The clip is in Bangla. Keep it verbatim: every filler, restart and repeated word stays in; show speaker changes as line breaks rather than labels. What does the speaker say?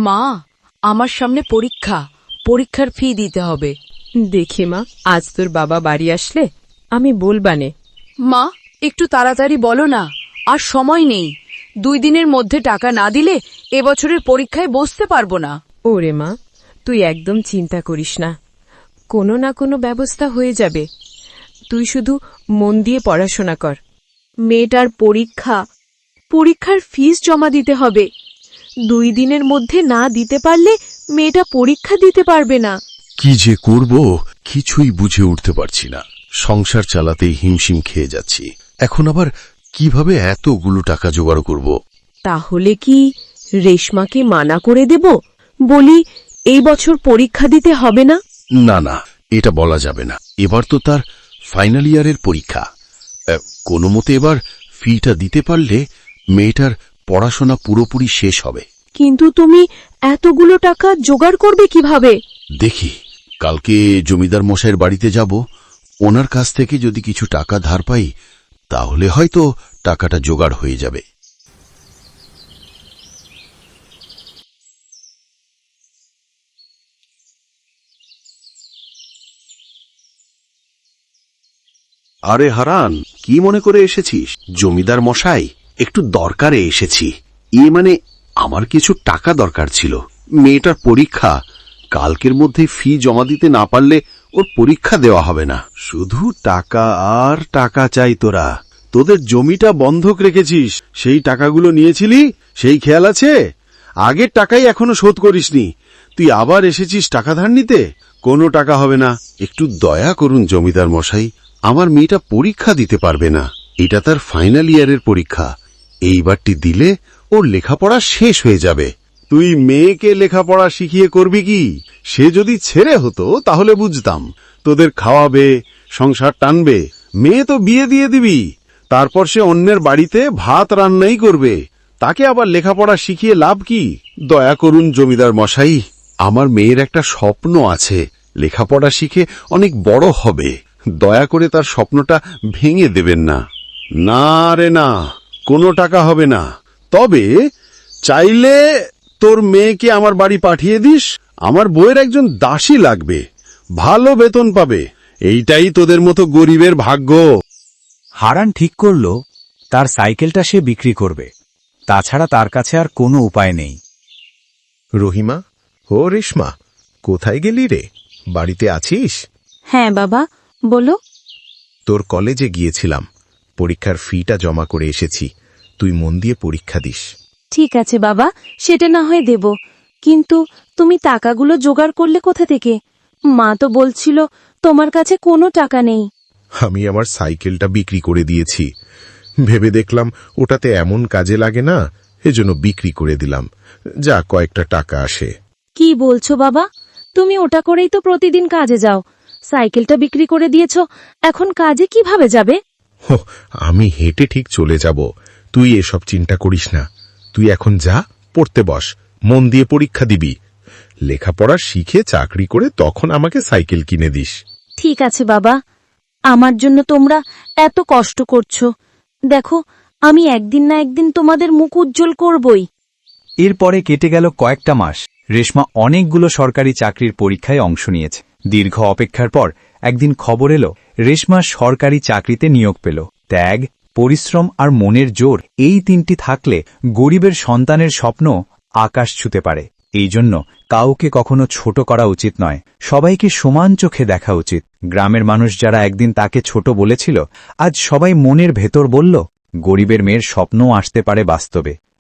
মা, আমার সামনে পরীক্ষা, পরীক্ষার ফি দিতে হবে।
দেখে মা, আজ তোর বাবা বাড়ি আসলে আমি বলবানে।
মা, একটু তাড়াতাড়ি বলো না, আর সময় নেই। দুই দিনের মধ্যে টাকা না দিলে এবছরের পরীক্ষায় বসতে পারবো না।
ওরে মা, তুই একদম চিন্তা করিস না, কোনো না কোনো ব্যবস্থা হয়ে যাবে। তুই শুধু মন দিয়ে পড়াশোনা কর।
মেয়েটার পরীক্ষা, পরীক্ষার ফিস জমা দিতে হবে। দুই দিনের মধ্যে না দিতে পারলে মেয়েটা পরীক্ষা দিতে পারবে না।
কি যে করব কিছুই বুঝে উঠতে পারছি না। সংসার চালাতেই হিমশিম খেয়ে যাচ্ছি। এখন আবার কিভাবে এতগুলো টাকা জোগাড় করব?
তাহলে কি রেশমাকে মানা করে দেব, বলি এই বছর পরীক্ষা দিতে হবে না?
না না, এটা বলা যাবে না। এবার তো তার ফাইনাল ইয়ারের পরীক্ষা। কোনো মতে এবার ফিটা দিতে পারলে মেয়েটার পড়াশোনা পুরোপুরি শেষ হবে।
কিন্তু তুমি এতগুলো টাকা জোগাড় করবে কিভাবে?
দেখি, কালকে জমিদার মশাইয়ের বাড়িতে যাব। ওনার কাছ থেকে যদি কিছু টাকা ধার পাই তাহলে হয়তো টাকাটা জোগাড় হয়ে যাবে। আরে হারান, কি মনে করে এসেছিস? জমিদার মশাই, একটু দরকারে এসেছি। এ মানে আমার কিছু টাকা দরকার ছিল। মেয়েটার পরীক্ষা, কালকের মধ্যে ফি জমা দিতে না পারলে ওর পরীক্ষা দেওয়া হবে না। শুধু টাকা আর টাকা চাই। তোরা তোদের জমিটা বন্ধক রেখেছিস, সেই টাকাগুলো নিয়েছিলি, সেই খেয়াল আছে? আগের টাকাই এখনো শোধ করিসনি, তুই আবার এসেছিস টাকা ধার নিতে? কোনো টাকা হবে না। একটু দয়া করুন জমিদার মশাই, আমার মেয়েটা পরীক্ষা দিতে পারবে না। এটা তার ফাইনাল ইয়ারের পরীক্ষা। এইবারটি দিলে ওর লেখাপড়া শেষ হয়ে যাবে। তুই মেয়েকে লেখাপড়া শিখিয়ে করবি কি? সে যদি ছেড়ে হতো তাহলে বুঝতাম, তোদের খাওয়াবে, সংসার টানবে। মেয়ে তো বিয়ে দিয়ে দিবি, তারপর সে অন্যের বাড়িতে ভাত রান্নাই করবে। তাকে আবার লেখাপড়া শিখিয়ে লাভ কি? দয়া করুন জমিদার মশাই, আমার মেয়ের একটা স্বপ্ন আছে, লেখাপড়া শিখে অনেক বড় হবে। দয়া করে তার স্বপ্নটা ভেঙে দেবেন না। না রে না, কোনো টাকা হবে না। তবে চাইলে তোর মেয়েকে আমার বাড়ি পাঠিয়ে দিস। আমার বউয়ের একজন দাসী লাগবে, ভালো বেতন পাবে। এইটাই তোদের মতো গরিবের ভাগ্য।
হারান ঠিক করল তার সাইকেলটা সে বিক্রি করবে, তাছাড়া তার কাছে আর কোনো উপায় নেই।
রহিমা, ও রেশমা, কোথায় গেলি রে? বাড়িতে আছিস?
হ্যাঁ বাবা, বলো।
তোর কলেজে গিয়েছিলাম, পরীক্ষার ফিটা জমা করে এসেছি। তুই মন দিয়ে পরীক্ষা দিস।
ঠিক আছে বাবা, সেটা না হয় দেব, কিন্তু তুমি টাকাগুলো জোগাড় করলে কোথা থেকে? মা তো বলছিল তোমার কাছে কোনো টাকা নেই।
আমি আমার সাইকেলটা বিক্রি করে দিয়েছি। ভেবে দেখলাম ওটাতে এমন কাজে লাগে না, এজন্য বিক্রি করে দিলাম, যা কয়েকটা টাকা আসে।
কি বলছো বাবা? তুমি ওটা করেই তো প্রতিদিন কাজে যাও, সাইকেলটা বিক্রি করে দিয়েছ, এখন কাজে কিভাবে যাবে?
হো, আমি হেঁটে ঠিক চলে যাব, তুই এসব চিন্তা করিস না। তুই এখন যা, পড়তে বস, মন দিয়ে পরীক্ষা দিবি। লেখাপড়া শিখে চাকরি করে তখন আমাকে সাইকেল কিনে দিস।
ঠিক আছে বাবা, আমার জন্য তোমরা এত কষ্ট করছো, দেখো আমি একদিন না একদিন তোমাদের মুখ উজ্জ্বল করবই।
এরপরে কেটে গেল কয়েকটা মাস। রেশমা অনেকগুলো সরকারি চাকরির পরীক্ষায় অংশ নিয়েছে। দীর্ঘ অপেক্ষার পর একদিন খবর এলো রেশমা সরকারি চাকরিতে নিয়োগ পেল। ত্যাগ, পরিশ্রম আর মনের জোর, এই তিনটি থাকলে গরিবের সন্তানের স্বপ্ন আকাশ ছুঁতে পারে। এই জন্য কাউকে কখনো ছোট করা উচিত নয়, সবাইকে সমান চোখে দেখা উচিত। গ্রামের মানুষ যারা একদিন তাকে ছোট বলেছিল, আজ সবাই মনের ভেতর বলল, গরিবের মেয়ের স্বপ্নও আসতে পারে বাস্তবে।